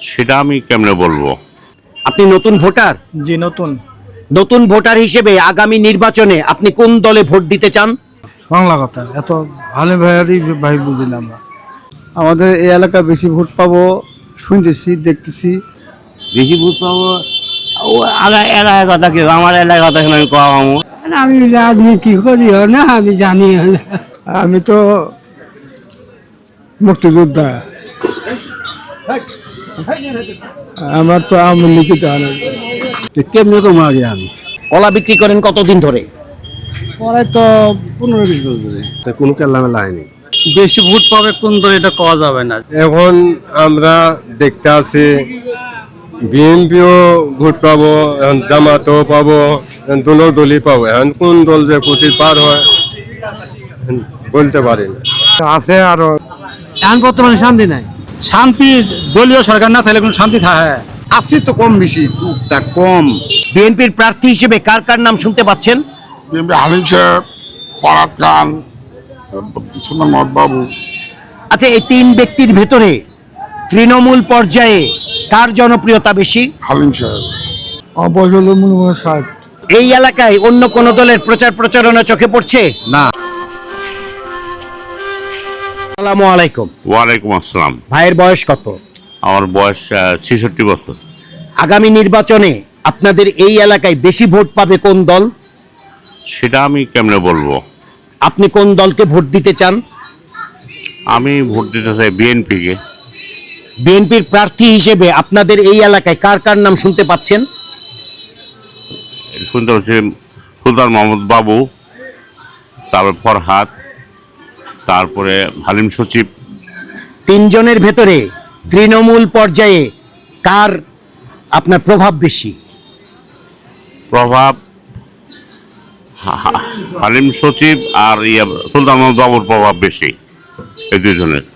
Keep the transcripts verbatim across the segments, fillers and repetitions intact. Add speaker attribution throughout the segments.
Speaker 1: সেটা আমি কেমনে বলবো।
Speaker 2: আপনি নতুন ভোটার?
Speaker 3: জি নতুন।
Speaker 2: নতুন ভোটার হিসেবে আগামী নির্বাচনে আপনি কোন দলে ভোট দিতে চান?
Speaker 4: বাংলা কথা এত ভালো ভাইয়ারই ভাই বুঝি না আমরা। আমাদের এই এলাকায় বেশি ভোট পাবো শুনতেছি, দেখতেছি।
Speaker 5: বেশি ভোট পাবো ও আলাদা এলাকার কথা কেউ আমার এলাকার কথা আমি কমাবো।
Speaker 6: আমি রাজনীতি করিও না, আমি জানিও না।
Speaker 4: আমি তো মুক্তিযোদ্ধা, আমার তো আওয়ামী লীগে জানা
Speaker 5: কেমনি কম আগে আমি
Speaker 2: কলা বিক্রি করেন কতদিন ধরে?
Speaker 5: পরে তো পনেরো বিশ বছর ধরে
Speaker 4: কোনো কেল্লামেলা হয়নি।
Speaker 3: বেশি ভোট পাবে কোন দলে এটা কওয়া যাবে না।
Speaker 4: এখন আমরা দেখতে আছি বিএনপিও ভোট পাবো, এখন জামাতও পাবো, এখন দুনো দলই পাবো। এখন কোন দল যে প্রতি পার হয় বলতে পারি না। আছে আরো
Speaker 5: এখন বর্তমানে শান্তি নাই।
Speaker 3: শান্তি দলীয় সরকার না থাকলে কোনো শান্তি থাকে?
Speaker 5: আছে তো কম বেশি টুকটাক কম।
Speaker 2: বিএনপির প্রার্থী হিসেবে কার কার নাম শুনতে পাচ্ছেন?
Speaker 7: বিএনপি হালিম সাহেব, ফরাদ খান, সুন্দর মহম্মদ বাবু।
Speaker 2: আচ্ছা, এই তিন ব্যক্তির ভেতরে তৃণমূল পর্যায়ে কার জনপ্রিয়তা বেশি?
Speaker 7: হালিম সাহেব।
Speaker 4: বয়স হলো মনে হয় ষাট।
Speaker 2: এই এলাকায় অন্য কোন দলের প্রচার প্রচারণা চোখে পড়ছে?
Speaker 1: না।
Speaker 2: আসসালামু আলাইকুম।
Speaker 1: ওয়ালাইকুম আসসালাম।
Speaker 2: ভাইয়ের বয়স কত?
Speaker 1: আমার বয়স ছেষট্টি বছর।
Speaker 2: আগামী নির্বাচনে আপনাদের এই এলাকায় বেশি ভোট পাবে কোন দল?
Speaker 1: সেটা আমি কেমনে বলবো।
Speaker 2: আপনি কোন দলকে ভোট দিতে চান?
Speaker 1: আমি ভোট দিতে চাই বিএনপিকে।
Speaker 2: বিএনপির প্রার্থী হিসেবে আপনাদের এই এলাকায় কার কার নাম শুনতে পাচ্ছেন?
Speaker 1: শুনতে হচ্ছে সুলতান মোহাম্মদ বাবু, তারপর ফরহাদ, তারপরে হালিম সচিব।
Speaker 2: তিনজনের ভেতরে তৃণমূল পর্যায়ে কার আপনার প্রভাব বেশি?
Speaker 1: প্রভাব হা- হা- হালিম সচিব আর ইয়া সুলতান মোহাম্মদ বাবুর প্রভাব বেশি, এই দুজনের।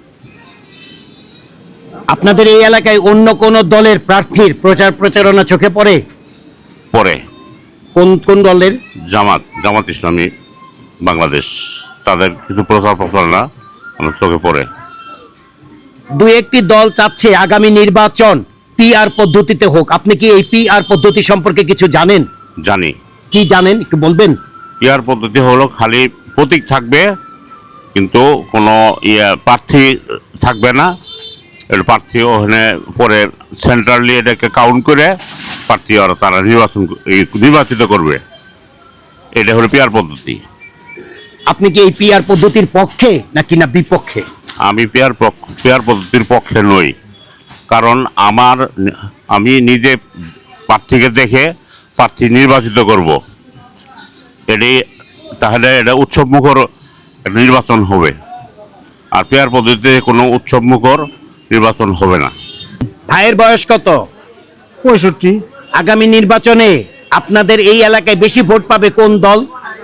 Speaker 2: আপনাদের এই এলাকায় অন্য কোন দলের প্রার্থীর প্রচার প্রচারণা চোখে পড়ে?
Speaker 1: পরে
Speaker 2: কোন কোন দলের?
Speaker 1: জামাত জামাত ইসলামী বাংলাদেশ, তাদের কিছু প্রচার প্রচারণা আমার চোখে পড়ে।
Speaker 2: দু একটি দল চাচ্ছে আগামী নির্বাচন পিআর পদ্ধতিতে হোক। আপনি কি এই পিআর পদ্ধতি সম্পর্কে কিছু জানেন?
Speaker 1: জানি।
Speaker 2: কি জানেন একটু বলবেন?
Speaker 1: ইয়ার পদ্ধতি হলো খালি প্রতীক থাকবে, কিন্তু কোনো ইয়ে প্রার্থী থাকবে না। এটা প্রার্থী ওখানে পরে সেন্ট্রালি এটাকে কাউন্ট করে প্রার্থী ওরা তারা নির্বাচন নির্বাচিত করবে। এটা হলো পিয়ার পদ্ধতি।
Speaker 2: আপনি কি এই পিআর পদ্ধতির পক্ষে নাকি না বিপক্ষে?
Speaker 1: আমি পেয়ার পক্ষ পেয়ার পদ্ধতির পক্ষে নই, কারণ আমার আমি নিজে প্রার্থীকে দেখে প্রার্থী নির্বাচিত করব। এটি তাহলে এটা উৎসবমুখর একটা নির্বাচন হবে, আর পেয়ার পদ্ধতিতে কোনো উৎসবমুখর নির্বাচন হবে না।
Speaker 2: ভাইয়ের বয়স কত?
Speaker 4: পঁয়ষট্টি।
Speaker 2: আগামী নির্বাচনে আপনাদের এই এলাকায় বেশি ভোট পাবে কোন দল?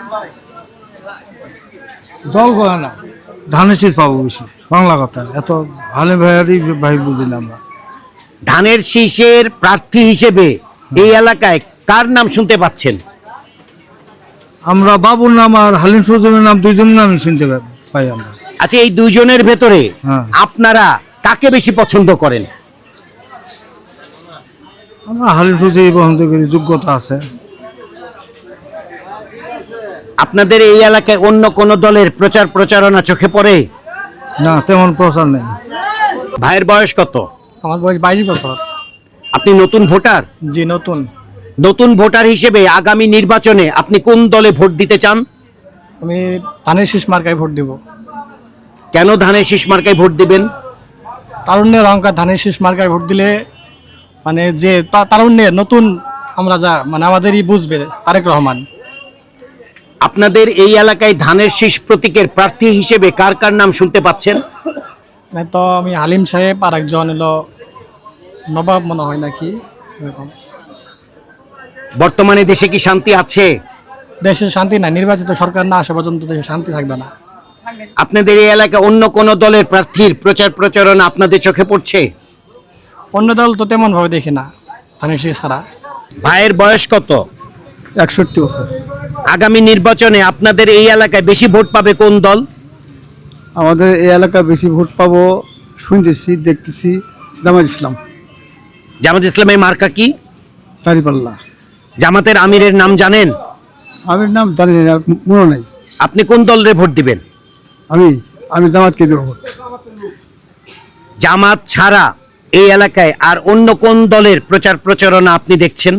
Speaker 4: দল করে না, ধানের শীষ পাবো বেশি। বাংলা কথা এত ভালো ভাইয়ারই ভাই বুঝি না আমরা।
Speaker 2: ধানের শীষের প্রার্থী হিসেবে এই এলাকায় কার নাম শুনতে পাচ্ছেন?
Speaker 4: আমরা বাবুর নাম আর হালিম সজনের নাম দুইজনের নামই শুনতে পাই আমরা।
Speaker 2: আচ্ছা, এই দুইজনের ভেতরে
Speaker 4: হ্যাঁ।
Speaker 2: আপনারা কাকে বেশি পছন্দ করেন?
Speaker 4: আমরা হালিম সজই পছন্দ করি, যোগ্যতা আছে।
Speaker 2: আপনাদের এই এলাকায় অন্য কোন দলের প্রচার প্রচারণা চোখে পড়ে?
Speaker 4: না, তেমন প্রচার নেই।
Speaker 2: ভাইয়ের বয়স কত?
Speaker 3: আমার বয়স বাইশ বছর।
Speaker 2: আপনি নতুন ভোটার?
Speaker 3: জি নতুন।
Speaker 2: নতুন ভোটার হিসেবে আগামী নির্বাচনে আপনি কোন দলে ভোট দিতে চান?
Speaker 3: আমি ধানের শীষ মার্কায় ভোট দিব।
Speaker 2: কেন ধানের শীষ মার্কায় ভোট দিবেন?
Speaker 3: তারুণ্যের অহংকার, ধানের শীষ মার্কায় ভোট দিলে মানে যে তা- তারুণ্যের নতুন আমরা যা মানে আমাদেরই বুঝবে তারেক রহমান।
Speaker 2: আপনাদের এই এলাকায় ধানের শীষ প্রতীকের প্রার্থী হিসেবে কার কার নাম শুনতে পাচ্ছেন?
Speaker 3: মানে তো আমি হালিম সাহেব আর একজন হলো নবাব মনে হয় নাকি এরকম।
Speaker 2: বর্তমানে দেশে কি শান্তি আছে?
Speaker 3: দেশে শান্তি না, নির্বাচিত সরকার না আসা পর্যন্ত দেশে শান্তি থাকবে না।
Speaker 2: আপনাদের এই এলাকায় অন্য কোন দলের প্রার্থীর প্রচার প্রচারণা আপনাদের চোখে পড়ছে?
Speaker 3: অন্য দল তো তেমন ভাবে দেখি না ধানের শীষ ছাড়া।
Speaker 2: ভাইয়ের বয়স কত?
Speaker 4: একষট্টি বছর।
Speaker 2: আগামী নির্বাচনে আপনাদের এই এলাকায় বেশি ভোট পাবে কোন দল?
Speaker 4: আমাদের এই এলাকায় বেশি ভোট পাবো শুনতেছি, দেখতেছি জামাত ইসলাম।
Speaker 2: জামাত ইসলামের মার্কা কি?
Speaker 6: দাঁড়িপাল্লা।
Speaker 2: জামাতের আমিরের নাম জানেন?
Speaker 6: আমার নাম জানি না, মনে নাই।
Speaker 2: আপনি কোন দলের ভোট দিবেন?
Speaker 6: আমি আমি জামাতকে দেবো ভোট।
Speaker 2: জামাত ছাড়া এই এলাকায় আর অন্য কোন দলের প্রচার প্রচারণা আপনি দেখছেন?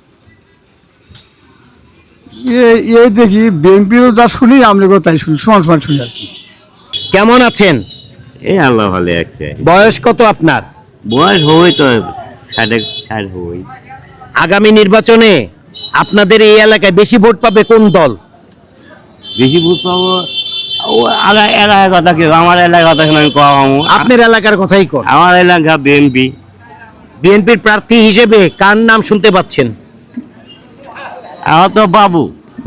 Speaker 6: এ- এই দেখি বিএনপিরও যা শুনি আমরা তাই শুনি, সমান সমান শুনি আর কি।
Speaker 2: কেমন আছেন?
Speaker 5: এই আল্লাহ ভালো আছে।
Speaker 2: বয়স কত আপনার?
Speaker 5: বয়স হই তো সাড়ে ষাট হই।
Speaker 2: আগামী নির্বাচনে আপনাদের এই এলাকায় বেশি ভোট পাবে কোন দল?
Speaker 5: বেশি ভোট পাবো ও আগা এলাকার কথা কেউ আমার এলাকার কথা আমি কম।
Speaker 2: আপনার এলাকার কথাই কর।
Speaker 5: আমার এলাকা বিএনপি।
Speaker 2: বিএনপির প্রার্থী হিসেবে কার নাম শুনতে পাচ্ছেন?
Speaker 5: আমার তো বাবু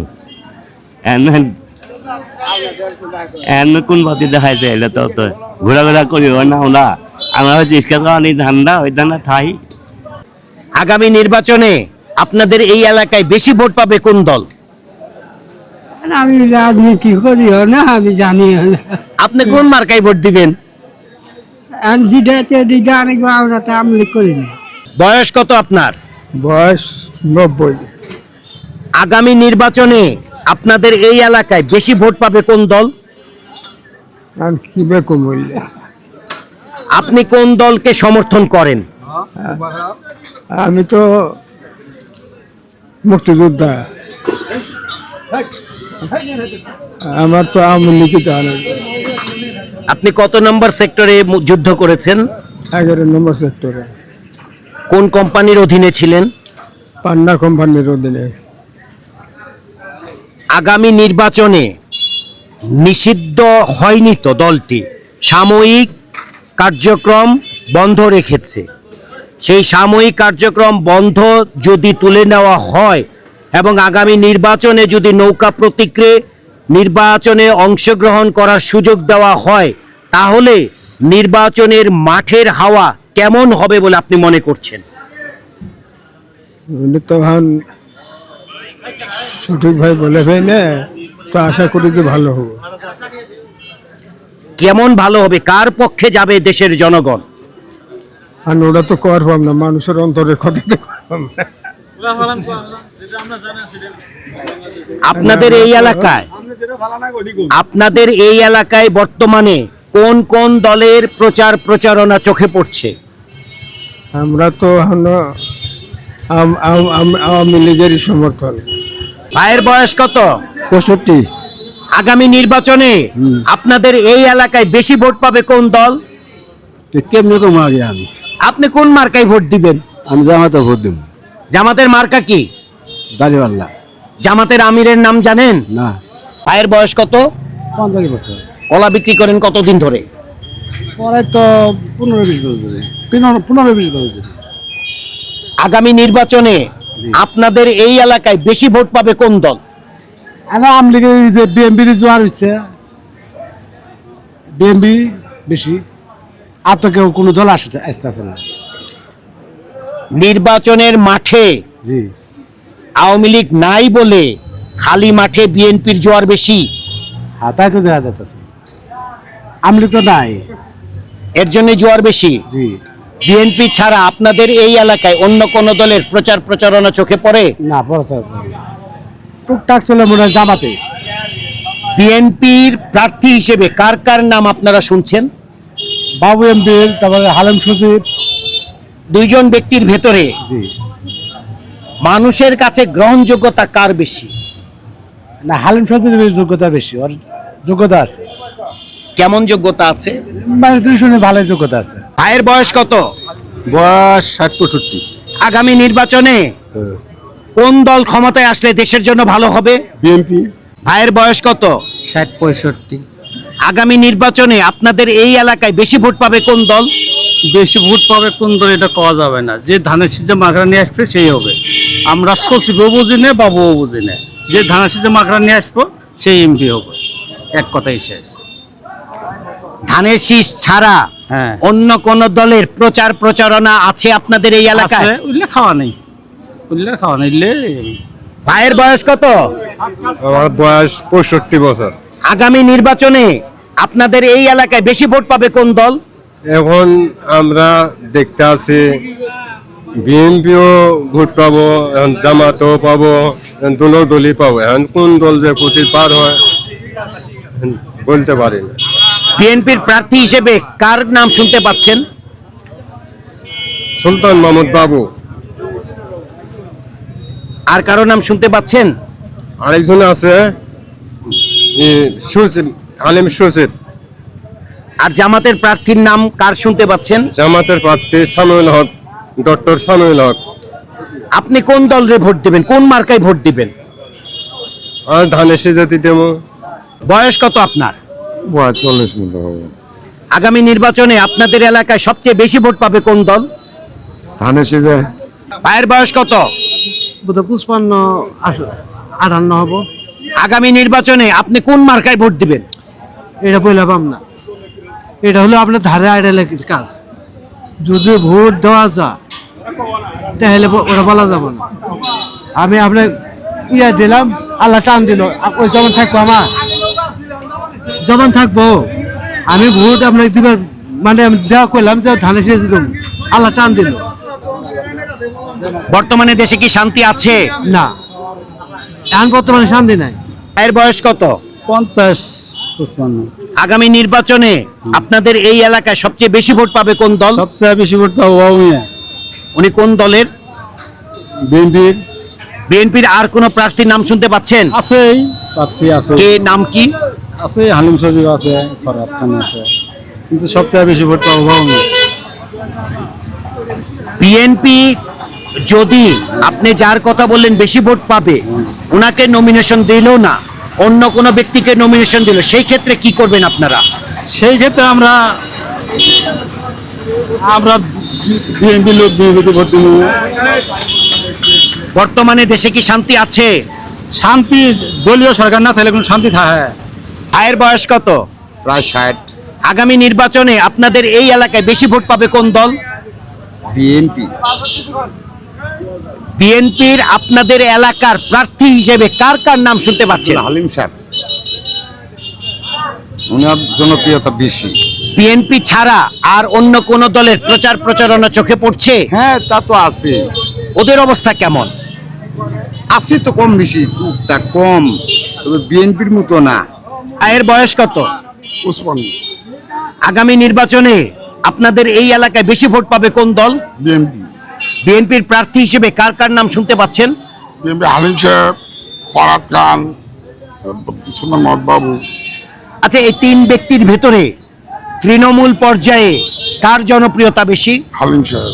Speaker 5: এন কোন বাতি দেখাইছে এলে তো তো ঘোরাঘোরা করি না ওরা আমরা হচ্ছে ইস্কা খাওয়ানি ধান্দা ওই ধান্দা থাই।
Speaker 2: আগামী নির্বাচনে আপনাদের এই এলাকায় বেশি ভোট পাবে কোন দল?
Speaker 6: আমি রাজনীতি করি না, আমি জানি না।
Speaker 2: আপনি কোন মার্কায় ভোট দিবেন?
Speaker 6: আর যেটাতে দিকে অনেক ভাবনাতে আমলি করি না।
Speaker 2: বয়স কত আপনার?
Speaker 6: বয়স নব্বই।
Speaker 2: আগামী নির্বাচনে আপনাদের এই এলাকায় বেশি ভোট পাবে কোন দল?
Speaker 6: আমি কি বেকম বললে,
Speaker 2: আপনি কোন দলকে সমর্থন করেন?
Speaker 6: আমি তো মুক্তিযোদ্ধা, আমার তো আওয়ামী লীগই জানে।
Speaker 2: আপনি কত নম্বর সেক্টরে মু- যুদ্ধ করেছেন?
Speaker 6: এগারো নম্বর সেক্টরে
Speaker 2: কোন কোম্পানির অধীনে ছিলেন?
Speaker 6: পান্না কোম্পানির অধীনে।
Speaker 2: আগামী নির্বাচনে নিষিদ্ধ হয়নি তো দলটি, সাময়িক কার্যক্রম বন্ধ রেখেছে। সেই সাময়িক কার্যক্রম বন্ধ যদি তুলে নেওয়া হয় এবং আগামী নির্বাচনে যদি নৌকা প্রতীকে নির্বাচনে অংশগ্রহণ করার সুযোগ দেওয়া হয়, তাহলে নির্বাচনের মাঠের হাওয়া কেমন হবে বলে আপনি মনে করছেন?
Speaker 6: উনি তো এখন সঠিকভাবে বলে ভাই না, তো আশা করি যে ভালো হবে।
Speaker 2: কেমন ভালো হবে? কার পক্ষে যাবে দেশের জনগণ?
Speaker 6: আর ওরা তো করবাম না, মানুষের অন্তরের কথা তো করবাম না।
Speaker 2: আপনাদের এই এলাকায় আপনাদের এই এলাকায় বর্তমানে কোন কোন দলের প্রচার প্রচারণা চোখে পড়ছে?
Speaker 6: আমরা তো এখন আম- আম- আম- আওয়ামী লীগেরই সমর্থন।
Speaker 2: ভাইয়ের বয়স কত?
Speaker 6: পঁয়ষট্টি।
Speaker 2: আগামী নির্বাচনে আপনাদের এই এলাকায় বেশি ভোট পাবে কোন দল?
Speaker 6: কেমনি কম আগে আমি
Speaker 2: আপনি কোন মার্কায় ভোট দিবেন?
Speaker 6: আমি জামাতে ভোট দেব।
Speaker 2: জামাতের মার্কা কি?
Speaker 6: দাঁড়িপাল্লা।
Speaker 2: জামাতের আমিরের নাম জানেন?
Speaker 6: না।
Speaker 2: ভাইয়ের বয়স কত?
Speaker 6: পঞ্চাশ বছর।
Speaker 2: কলা বিক্রি করেন কতদিন ধরে?
Speaker 6: পরে তো পনেরো বিশ বছর ধরে, পনেরো পনেরো বিশ বছর ধরে।
Speaker 2: আগামী নির্বাচনে আপনাদের এই এলাকায় বেশি ভোট পাবে কোন দল?
Speaker 6: আমার আওয়ামী লীগের এই যে বিএনপির জোয়ার হচ্ছে, বিএনপি বেশি। আর তো কেউ কোনো দল আসতে আসতেছে না।
Speaker 2: নির্বাচনের মাঠে
Speaker 6: জি।
Speaker 2: আওয়ামী লীগ নাই বলে খালি মাঠে বিএনপির জোয়ার বেশি,
Speaker 6: হ্যাঁ, তাই তো দেখা যাচ্ছে। আওয়ামী লীগ তো নাই।
Speaker 2: এর জন্য জোয়ার বেশি।
Speaker 6: জি।
Speaker 2: বিএনপি ছাড়া আপনাদের এই এলাকায় অন্য কোন দলের প্রচার প্রচারণা চোখে পড়ে?
Speaker 6: না, প্রচার টুকটাক চলে মনে হয় জামাতে।
Speaker 2: বিএনপির প্রার্থী হিসেবে কার কার নাম আপনারা শুনছেন?
Speaker 6: বাবু এমপির, তারপরে হালেম সচিব।
Speaker 2: দুইজন ব্যক্তির ভেতরে
Speaker 6: জি।
Speaker 2: মানুষের কাছে গ্রহণযোগ্যতা কার বেশি?
Speaker 6: না, হালিম সচিবের যোগ্যতা বেশি, ওর যোগ্যতা আছে।
Speaker 2: কেমন যোগ্যতা আছে?
Speaker 6: মানুষ শুনে ভালো যোগ্যতা আছে।
Speaker 2: ভাইয়ের বয়স কত?
Speaker 6: বয়স ষাট পঁয়ষট্টি।
Speaker 2: আগামী নির্বাচনে কোন দল ক্ষমতায় আসলে দেশের জন্য ভালো হবে?
Speaker 6: বিএনপি।
Speaker 2: ভাইয়ের বয়স কত?
Speaker 6: ষাট পঁয়ষট্টি।
Speaker 2: আগামী নির্বাচনে আপনাদের এই এলাকায় বেশি ভোট পাবে কোন দল?
Speaker 8: বেশি ভোট পাবে কোন দল এটা কওয়া যাবে না। যে ধানের শীষে মাকড়া নিয়ে আসবে সেই হবে। আমরা সচিবও বুঝি না, বাবুও বুঝি না। যে ধানের শীষে মাকড়া নিয়ে আসবো সেই এমপি হবে, এক কথাই শেষ।
Speaker 2: ধানের শীষ ছাড়া
Speaker 8: হ্যাঁ।
Speaker 2: অন্য কোন দলের প্রচার প্রচারণা আছে আপনাদের এই এলাকায়?
Speaker 8: আছে, উল্লে খাওয়া নেই, উল্লে খাওয়া নেই। উল্লে
Speaker 2: ভাইয়ের বয়স কত?
Speaker 4: আমার বয়স পঁয়ষট্টি বছর।
Speaker 2: আগামী নির্বাচনে আপনাদের এই এলাকায় বেশি ভোট পাবে কোন দল?
Speaker 4: এখন আমরা দেখতে আছি বিএনপিও ভোট পাবো, এখন জামাতও পাবো, এখন দুনো দলই পাবো। এখন কোন দল যে কোটি পার হয় এখন বলতে পারি না।
Speaker 2: বিএনপির প্রার্থী হিসেবে কার নাম শুনতে পাচ্ছেন?
Speaker 4: সুলতান মাহমুদ বাবু।
Speaker 2: আর কারো নাম শুনতে পাচ্ছেন?
Speaker 4: আরেকজন আছে ই, সুচিত, আলিম সুচিত।
Speaker 2: আর জামাতের প্রার্থীর নাম কার শুনতে পাচ্ছেন?
Speaker 4: জামাতের প্রার্থী সামিউল হক, ডক্টর সামিউল হক।
Speaker 2: আপনি কোন দলরে ভোট দিবেন, কোন মার্কায় ভোট দিবেন?
Speaker 4: আর ধানের সিজাতি দেবো।
Speaker 2: বয়স কত আপনার?
Speaker 4: বয়স চল্লিশ মতো হবে।
Speaker 2: আগামী নির্বাচনে আপনাদের এলাকায় সবচেয়ে বেশি ভোট পাবে কোন দল?
Speaker 4: ধানের সিজা
Speaker 2: ভাইয়ের বয়স কত?
Speaker 8: পুষ্পান্ন আটান্ন হবো।
Speaker 2: আগামী নির্বাচনে আপনি কোন মার্কায় ভোট দিবেন?
Speaker 8: এটা বললাম না, এটা হলো আপনার ধারে আইডালের কাজ। যদি ভোট দেওয়া যায় তাহলে ওরা বলা যাবে না। আমি আপনার ইয়া দিলাম, আল্লাহ টান দিল, ওই যেমন থাকবো আমার যেমন থাকবো, আমি ভোট আপনাকে দিবার মানে আমি দেওয়া করলাম যে ধানের শেষ দিলাম, আল্লাহ টান দিল।
Speaker 2: বর্তমানে দেশে কি শান্তি আছে?
Speaker 8: না, এখন বর্তমানে শান্তি নাই।
Speaker 2: ভাইয়ের বয়স কত?
Speaker 8: পঞ্চাশ পুষ্পান্ন।
Speaker 2: আগামী নির্বাচনে আপনাদের এই এলাকায় সবচেয়ে বেশি ভোট পাবে কোন দল?
Speaker 8: সবচেয়ে বেশি ভোট পাবো বাবুমিয়া।
Speaker 2: উনি কোন দলের?
Speaker 8: বিএনপির
Speaker 2: বিএনপির আর কোন প্রার্থীর নাম শুনতে পাচ্ছেন?
Speaker 8: আছেই, প্রার্থী আছে,
Speaker 2: কে নাম কি?
Speaker 8: আছে হালিম শরীফ আছে, ফরহাদ খান আছে, কিন্তু সবচেয়ে বেশি ভোট পাবো বাবুমিয়া।
Speaker 2: বিএনপি যদি আপনি যার কথা বললেন বেশি ভোট পাবে, ওনাকে নমিনেশন দিল না, অন্য কোনো ব্যক্তিকে নমিনেশন দিল, সেই ক্ষেত্রে কি করবেন আপনারা?
Speaker 8: সেই ক্ষেত্রে আমরা আমরা বিএনপি লোক বিএনপিতে ভোট দিব।
Speaker 2: বর্তমানে দেশে কি শান্তি আছে?
Speaker 8: শান্তি, দলীয় সরকার না থাকলে কোনো শান্তি থাকে?
Speaker 2: ভাইয়ের বয়স কত?
Speaker 7: প্রায় ষাট।
Speaker 2: আগামী নির্বাচনে আপনাদের এই এলাকায় বেশি ভোট পাবে কোন দল?
Speaker 7: বিএনপি।
Speaker 2: বিএনপির আপনাদের এলাকার প্রার্থী হিসেবে কার কার নাম শুনতে পাচ্ছেন?
Speaker 7: হালিম সাহেব, ওনার জনপ্রিয়তা বেশি।
Speaker 2: বিএনপি ছাড়া আর অন্য কোন দলের প্রচার প্রচারণা চোখে পড়ছে?
Speaker 7: হ্যাঁ, তা তো আছে,
Speaker 2: ওদের অবস্থা কেমন?
Speaker 7: আছে তো কম বেশি, টুকটাক কম, তবে বিএনপির মতো না।
Speaker 2: ভাইয়ের বয়স কত?
Speaker 7: উসমান।
Speaker 2: আগামী নির্বাচনে আপনাদের এই এলাকায় বেশি ভোট পাবে কোন দল?
Speaker 7: বিএনপি।
Speaker 2: বিএনপির প্রার্থী হিসেবে কার কার নাম শুনতে পাচ্ছেন?
Speaker 7: বিএনপি হালিম সাহেব, ফরহাদ খান, সুলতান মাহমুদ বাবু।
Speaker 2: আচ্ছা, এই তিন ব্যক্তির ভেতরে তৃণমূল পর্যায়ে কার জনপ্রিয়তা বেশি?
Speaker 7: হালিম সাহেব।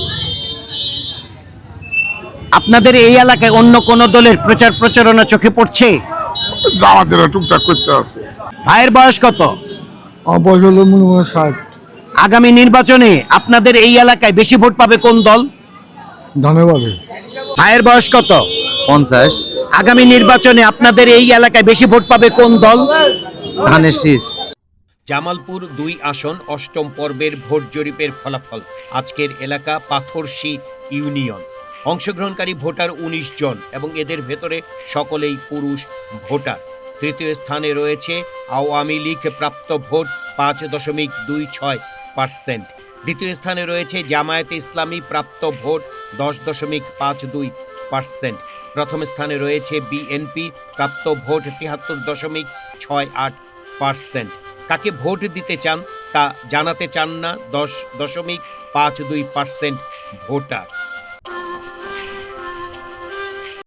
Speaker 2: আপনাদের এই এলাকায় অন্য কোন দলের প্রচার প্রচারণা চোখে পড়ছে?
Speaker 7: আমাদের টুকটাক করতে আছে।
Speaker 2: ভাইয়ের বয়স কত?
Speaker 6: আমার বয়স হলো মনে হয় ষাট।
Speaker 2: আগামী নির্বাচনে আপনাদের এই এলাকায় বেশি ভোট পাবে কোন দল?
Speaker 6: ধন্যবাদ।
Speaker 2: ভাইয়ের বয়স কত?
Speaker 5: পঞ্চাশ।
Speaker 2: আগামী নির্বাচনে আপনাদের এই এলাকায় বেশি ভোট পাবে কোন দল?
Speaker 5: ধানের শীষ।
Speaker 2: জামালপুর দুই আসন অষ্টম পর্বের ভোট জরিপের ফলাফল। আজকের এলাকা পাথরশী ইউনিয়ন। অংশগ্রহণকারী ভোটার উনিশ জন এবং এদের ভেতরে সকলেই পুরুষ ভোটার। তৃতীয় স্থানে রয়েছে আওয়ামী লীগ, প্রাপ্ত ভোট পাঁচ দশমিক দুই ছয় পার্সেন্ট। দ্বিতীয় স্থানে রয়েছে জামায়াতে ইসলামী, প্রাপ্ত ভোট দশ দশমিক পাঁচ দুই পার্সেন্ট। প্রথম স্থানে রয়েছে বিএনপি, প্রাপ্ত ভোট তিয়াত্তর দশমিক ছয় আট পার্সেন্ট। কাকে ভোট দিতে চান তা জানাতে চান না দশ দশমিক পাঁচ দুই পার্সেন্ট ভোটার।